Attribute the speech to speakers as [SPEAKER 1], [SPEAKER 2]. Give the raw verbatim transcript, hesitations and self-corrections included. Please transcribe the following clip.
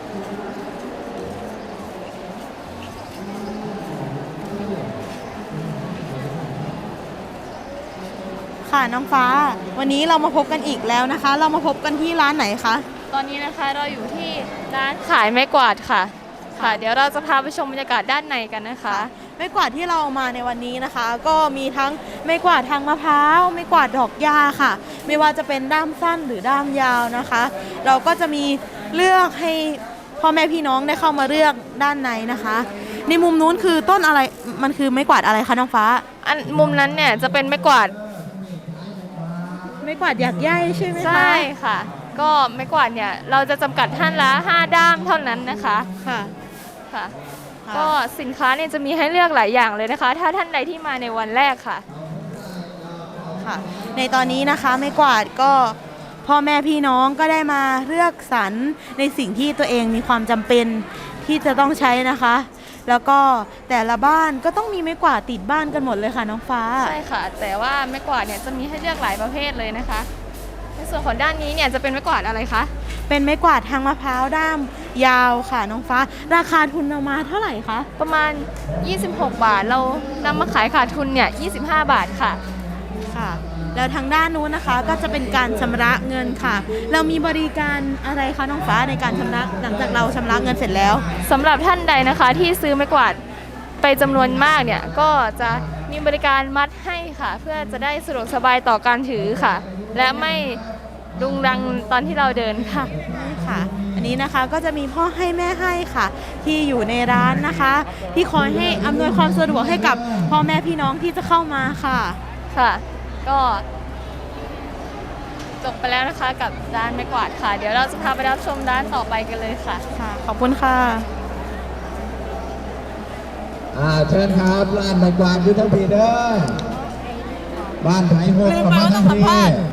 [SPEAKER 1] ค่ะน้องฟ้าวันนี้เรามาพบกันอีกแล้วนะคะ เรามาพบกันที่ร้านไหนคะ
[SPEAKER 2] ตอนนี้นะคะเราอยู่ที่ร้านขายไม้กวาดค่ะค่ะเดี๋ยวเราจะพาไปชมบรรยากาศด้านในกันนะคะ
[SPEAKER 1] ไม้กวาดที่เรามาในวันนี้นะคะ ก็มีทั้งไม้กวาดทางมะพร้าวไม้กวาดดอกหญ้าค่ะไม่ว่าจะเป็นด้ามสั้นหรือด้ามยาวนะคะ เราก็จะมีเลือกให้พ่อแม่พี่น้องได้เข้ามาเลือกด้านในนะคะ ในมุมนู้นคือต้นอะไรมันคือไม้กวาดอะไรคะน้องฟ้า
[SPEAKER 2] อันมุมนั้นเนี่ยจะเป็นไม้กวาด
[SPEAKER 1] ไม้กวาดหยักใยใช่ไหมคะ
[SPEAKER 2] ใช่ค่ะก็ไม้กวาดเนี่ยเราจะจำกัดท่านละห้าด้ามเท่านั้นนะคะ
[SPEAKER 1] ค่ะ
[SPEAKER 2] ค่ะก็สินค้าเนี่ยจะมีให้เลือกหลายอย่างเลยนะคะ ถ้าท่านใดที่มาในวันแรกค่ะ
[SPEAKER 1] ค่ะในตอนนี้นะคะไม้กวาดก็พ่อแม่พี่น้องก็ได้มาเลือกสรรในสิ่งที่ตัวเองมีความจำเป็นที่จะต้องใช้นะคะแล้วก็แต่ละบ้านก็ต้องมีไม้กวาดติดบ้านกันหมดเลยค่ะน้องฟ้า
[SPEAKER 2] ใช่ค่ะแต่ว่าไม้กวาดเนี่ยจะมีให้เลือกหลายประเภทเลยนะคะในส่วนของด้านนี้เนี่ยจะเป็นไม้กวาดอะไรคะ
[SPEAKER 1] เป็นไม้กวาดทางมะพร้าวด้ามยาวค่ะน้องฟ้าราคาทุนออกมาเท่าไหร่คะ
[SPEAKER 2] ประมาณยี่สิบหกบาทเรานำมาขายขาดทุนเนี่ยยี่สิบห้าบาทค่ะ
[SPEAKER 1] ค่ะแล้วทางด้านนู้นนะคะก็จะเป็นการชำระเงินค่ะเรามีบริการอะไรคะน้องฟ้าในการชำระหลังจากเราชำระเงินเสร็จแล้ว
[SPEAKER 2] สำหรับท่านใดนะคะที่ซื้อไม้กวาดไปจำนวนมากเนี่ยก็จะมีบริการมัดให้ค่ะเพื่อจะได้สะดวกสบายต่อการถือค่ะและไม่รุงรังตอนที่เราเดินค่ะ
[SPEAKER 1] ค่ะอันนี้นะคะก็จะมีพ่อให้แม่ให้ค่ะที่อยู่ในร้านนะคะที่คอยให้อำนวยความสะดวกให้กับพ่อแม่พี่น้องที่จะเข้ามาค่ะ
[SPEAKER 2] ค่ะก็จบไปแล้วนะคะกับร้านไม้กวาดค่ะเดี๋ยวเราจะพาไปรับชมร้านต่อไปกันเลยค่ะ
[SPEAKER 1] ค่ะขอบคุณค่ะ
[SPEAKER 3] อ่าเชิญครับร้านไม้กวาดอยู่ทั้งทีเด้อบ้านไผ่หกกับบ้านทั้งที